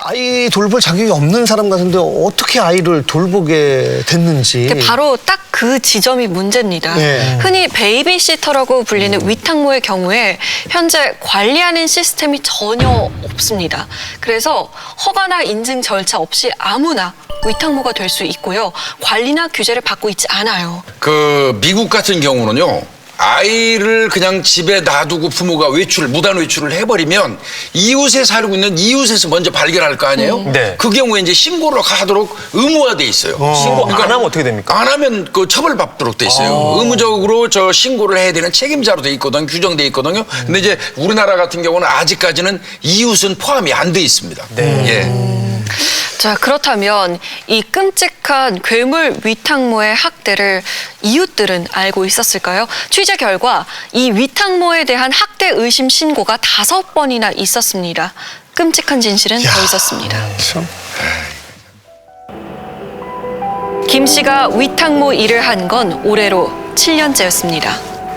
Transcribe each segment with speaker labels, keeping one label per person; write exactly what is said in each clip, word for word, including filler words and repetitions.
Speaker 1: 아이 돌볼 자격이 없는 사람 같은데 어떻게 아이를 돌보게 됐는지.
Speaker 2: 바로 딱 그 지점이 문제입니다.
Speaker 1: 네.
Speaker 2: 흔히 베이비시터라고 불리는 위탁모의 경우에 현재 관리하는 시스템이 전혀 없습니다. 그래서 허가나 인증 절차 없이 아무나 위탁모가 될 수 있고요. 관리나 규제를 받고 있지 않아요.
Speaker 3: 그 미국 같은 경우는요. 아이를 그냥 집에 놔두고 부모가 외출, 무단 외출을 해버리면 이웃에 살고 있는 이웃에서 먼저 발견할 거 아니에요?
Speaker 4: 음. 네.
Speaker 3: 그 경우에 이제 신고를 하도록 의무화돼 있어요.
Speaker 4: 어. 신고 안 하면 어떻게 됩니까?
Speaker 3: 안 하면 그 처벌받도록 돼 있어요.
Speaker 4: 아.
Speaker 3: 의무적으로 저 신고를 해야 되는 책임자로 돼 있거든, 규정돼 있거든요.
Speaker 4: 음.
Speaker 3: 근데 이제 우리나라 같은 경우는 아직까지는 이웃은 포함이 안 돼 있습니다.
Speaker 4: 네.
Speaker 3: 예.
Speaker 2: 자, 그렇다면 이 끔찍한 괴물 위탁모의 학대를 이웃들은 알고 있었을까요? 취재 결과 이 위탁모에 대한 학대 의심 신고가 다섯 번이나 있었습니다. 끔찍한 진실은 더 있었습니다.
Speaker 1: 참.
Speaker 2: 김 씨가 위탁모 일을 한 건 올해로 칠 년째였습니다.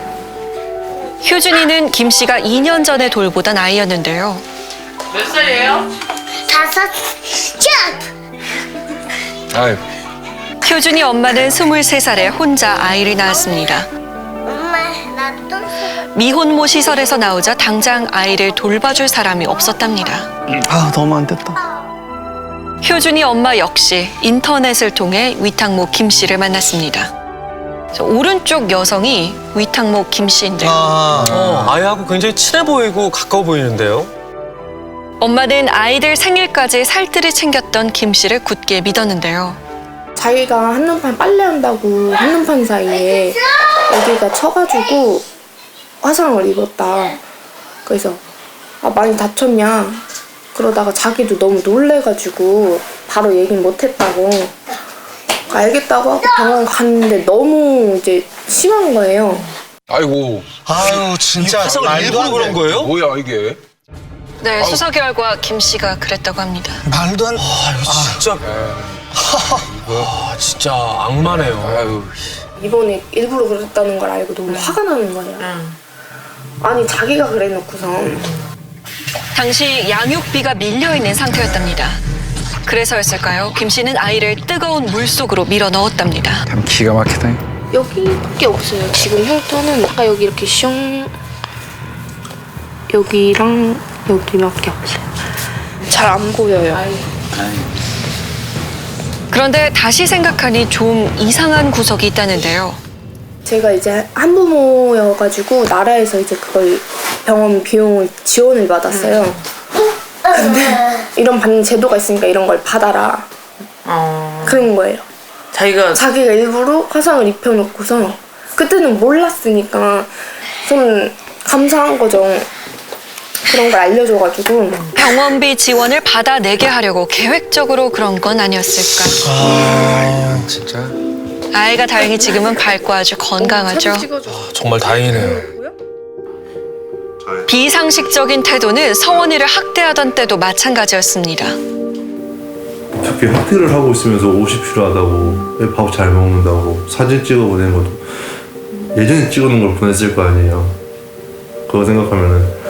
Speaker 2: 효준이는 김 씨가 이 년 전에 돌보던 아이였는데요.
Speaker 5: 몇 살이에요?
Speaker 6: 다섯 점.
Speaker 3: 아유.
Speaker 2: 효준이 엄마는 스물세 살에 혼자 아이를 낳았습니다.
Speaker 6: 엄마 나또
Speaker 2: 미혼모 시설에서 나오자 당장 아이를 돌봐줄 사람이 없었답니다.
Speaker 1: 아 너무 안 됐다.
Speaker 2: 효준이 엄마 역시 인터넷을 통해 위탁모 김 씨를 만났습니다. 저 오른쪽 여성이 위탁모 김 씨인데요.
Speaker 1: 아,
Speaker 4: 어, 아이하고 굉장히 친해 보이고 가까워 보이는데요.
Speaker 2: 엄마는 아이들 생일까지 살뜰히 챙겼던 김 씨를 굳게 믿었는데요.
Speaker 7: 자기가 한눈판 빨래한다고 한눈판 사이에 애기가 쳐가지고 화상을 입었다. 그래서 아, 많이 다쳤냐? 그러다가 자기도 너무 놀래가지고 바로 얘기는 못했다고. 알겠다고 하고 병원 갔는데 너무 이제 심한 거예요.
Speaker 3: 아이고.
Speaker 1: 아유 진짜
Speaker 4: 화상을
Speaker 1: 말도
Speaker 4: 일부러
Speaker 1: 안
Speaker 4: 그런
Speaker 1: 돼.
Speaker 4: 거예요?
Speaker 3: 뭐야 이게?
Speaker 2: 네, 수사 결과 김 씨가 그랬다고 합니다.
Speaker 1: 말도 안.
Speaker 4: 아, 이거 진짜. 아, 진짜 악마네요.
Speaker 3: 아유.
Speaker 7: 이번에 일부러 그랬다는 걸 알고 너무 화가 나는 거예요. 아니 자기가 그래놓고선
Speaker 2: 당시 양육비가 밀려있는 상태였답니다. 그래서였을까요? 김 씨는 아이를 뜨거운 물 속으로 밀어 넣었답니다.
Speaker 3: 참 기가 막히다.
Speaker 7: 여기밖에 없어요. 지금 흉터는 아까 여기 이렇게 슝 여기랑 여기밖에 없어요. 잘 안 보여요.
Speaker 2: 그런데 다시 생각하니 좀 이상한 구석이 있다는데요.
Speaker 7: 제가 이제 한부모여가지고 나라에서 이제 그걸 병원 비용을 지원을 받았어요. 근데 이런 받는 제도가 있으니까 이런 걸 받아라.
Speaker 5: 어.
Speaker 7: 그런 거예요.
Speaker 5: 자기가
Speaker 7: 자기가 일부러 화상을 입혀놓고서 그때는 몰랐으니까 저는 감사한 거죠. 그런 걸 알려줘가지고.
Speaker 2: 병원비 지원을 받아내게 하려고 계획적으로 그런 건 아니었을까.
Speaker 3: 아, 진짜.
Speaker 2: 아이가 다행히 지금은 밝고 아주 건강하죠.
Speaker 4: 아, 정말 다행이네요.
Speaker 2: 비상식적인 태도는 서원이를 학대하던 때도 마찬가지였습니다.
Speaker 8: 어떻게 학교를 하고 있으면서 옷이 필요하다고 밥 잘 먹는다고 사진 찍어 보낸 것도 예전에 찍어놓은 걸 보냈을 거 아니에요. 그거 생각하면은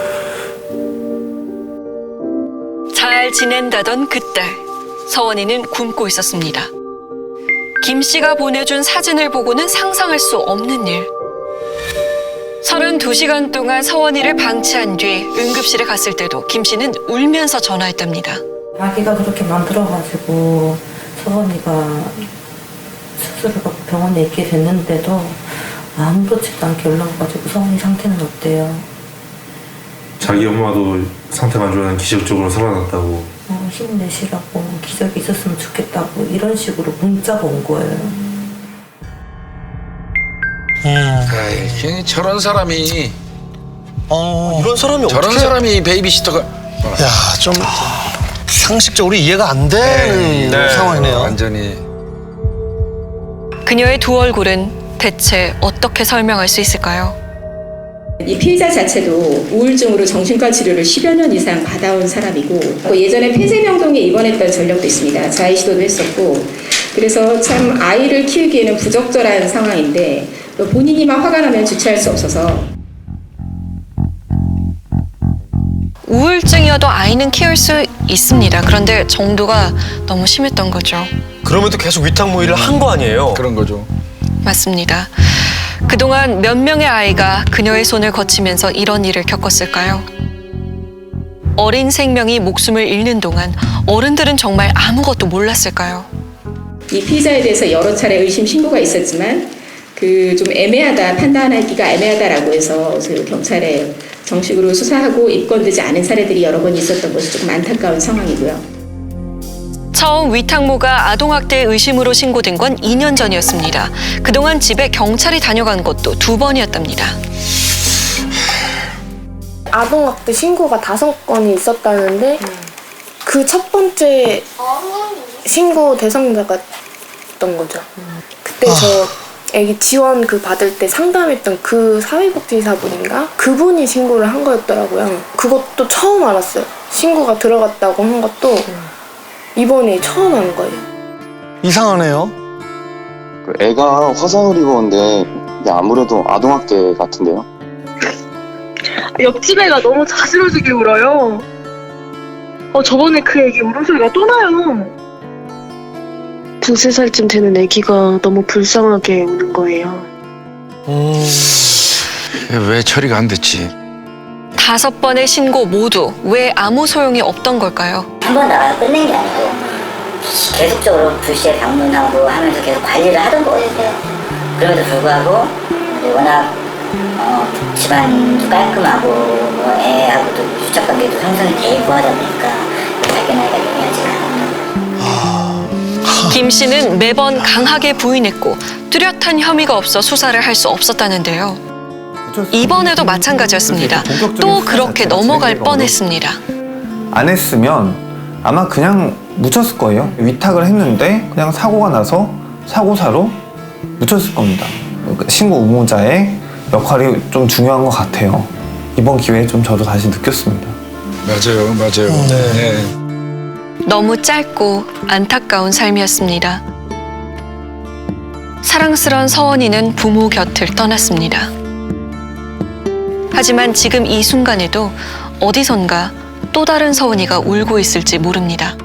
Speaker 2: 잘 지낸다던 그때 서원이는 굶고 있었습니다. 김 씨가 보내준 사진을 보고는 상상할 수 없는 일. 서른두 시간 동안 서원이를 방치한 뒤 응급실에 갔을 때도 김 씨는 울면서 전화했답니다.
Speaker 9: 아기가 그렇게 만들어가지고 서원이가 수술을 받고 병원에 있게 됐는데도 아무렇지도 않게 연락와가지고 서원이 상태는 어때요?
Speaker 8: 자기 엄마도 상태가 안 좋아하는 기적적으로 살아났다고.
Speaker 9: 어, 힘내시라고 기적이 있었으면 좋겠다고 이런 식으로 문자가 온 거예요.
Speaker 3: 아이, 저런 사람이
Speaker 1: 어.
Speaker 4: 이런 사람이
Speaker 3: 저런
Speaker 4: 어떻게.
Speaker 3: 사람이 베이비시터가
Speaker 1: 야, 좀 상식적으로 이해가 안 되는
Speaker 4: 네.
Speaker 1: 상황이네요.
Speaker 3: 완전히.
Speaker 2: 그녀의 두 얼굴은 대체 어떻게 설명할 수 있을까요?
Speaker 10: 이 피해자 자체도 우울증으로 정신과 치료를 십여 년 이상 받아온 사람이고 또 예전에 폐쇄병동에 입원했던 전력도 있습니다. 자해 시도도 했었고 그래서 참 아이를 키우기에는 부적절한 상황인데 또 본인이만 화가 나면 주체할 수 없어서
Speaker 2: 우울증이어도 아이는 키울 수 있습니다. 그런데 정도가 너무 심했던 거죠.
Speaker 4: 그럼에도 계속 위탁모의를 한 거 아니에요?
Speaker 3: 그런 거죠.
Speaker 2: 맞습니다. 그동안 몇 명의 아이가 그녀의 손을 거치면서 이런 일을 겪었을까요? 어린 생명이 목숨을 잃는 동안 어른들은 정말 아무것도 몰랐을까요?
Speaker 10: 이 피해자에 대해서 여러 차례 의심 신고가 있었지만 그 좀 애매하다, 판단하기가 애매하다라고 해서 그 경찰에 정식으로 수사하고 입건되지 않은 사례들이 여러 번 있었던 것이 조금 안타까운 상황이고요.
Speaker 2: 처음 위탁모가 아동학대 의심으로 신고된 건 이 년 전이었습니다. 그동안 집에 경찰이 다녀간 것도 두 번이었답니다.
Speaker 7: 아동학대 신고가 다섯 건이 있었다는데 그 첫 번째 신고 대상자가 던 거죠. 그때 저 애기 지원 그 받을 때 상담했던 그 사회복지사분인가? 그분이 신고를 한 거였더라고요. 그것도 처음 알았어요. 신고가 들어갔다고 한 것도 이번에 처음 한 거예요.
Speaker 1: 이상하네요.
Speaker 11: 애가 화상을 입었는데 이게 아무래도 아동학대 같은데요?
Speaker 12: 옆집 애가 너무 자지러지게 울어요. 어, 저번에 그 애기 울음소리가 또 나요. 두세 살쯤 되는 애기가 너무 불쌍하게 우는 거예요.
Speaker 4: 음...
Speaker 3: 왜 처리가 안 됐지?
Speaker 2: 다섯 번의 신고 모두 왜 아무 소용이 없던 걸까요?
Speaker 13: 한 번 나가서 끝낸 게 아니고 계속적으로 불시에 방문하고 하면서 계속 관리를 하던 거예요. 그럼에도 불구하고 워낙 어, 집안도 깔끔하고 뭐 애하고도 유착관계도 형성이 돼 있고 하다 보니까 자기 나이가 영리하지가 않았던
Speaker 2: 김 씨는 매번 강하게 부인했고 뚜렷한 혐의가 없어 수사를 할 수 없었다는데요. 이번에도 마찬가지였습니다. 또 그렇게 넘어갈 뻔했습니다.
Speaker 14: 안 했으면 아마 그냥 묻혔을 거예요. 위탁을 했는데 그냥 사고가 나서 사고사로 묻혔을 겁니다. 신고 의무자의 역할이 좀 중요한 것 같아요. 이번 기회에 좀 저도 다시 느꼈습니다.
Speaker 3: 맞아요, 맞아요.
Speaker 4: 네.
Speaker 3: 네.
Speaker 2: 너무 짧고 안타까운 삶이었습니다. 사랑스런 서원이는 부모 곁을 떠났습니다. 하지만 지금 이 순간에도 어디선가 또 다른 서원이가 울고 있을지 모릅니다.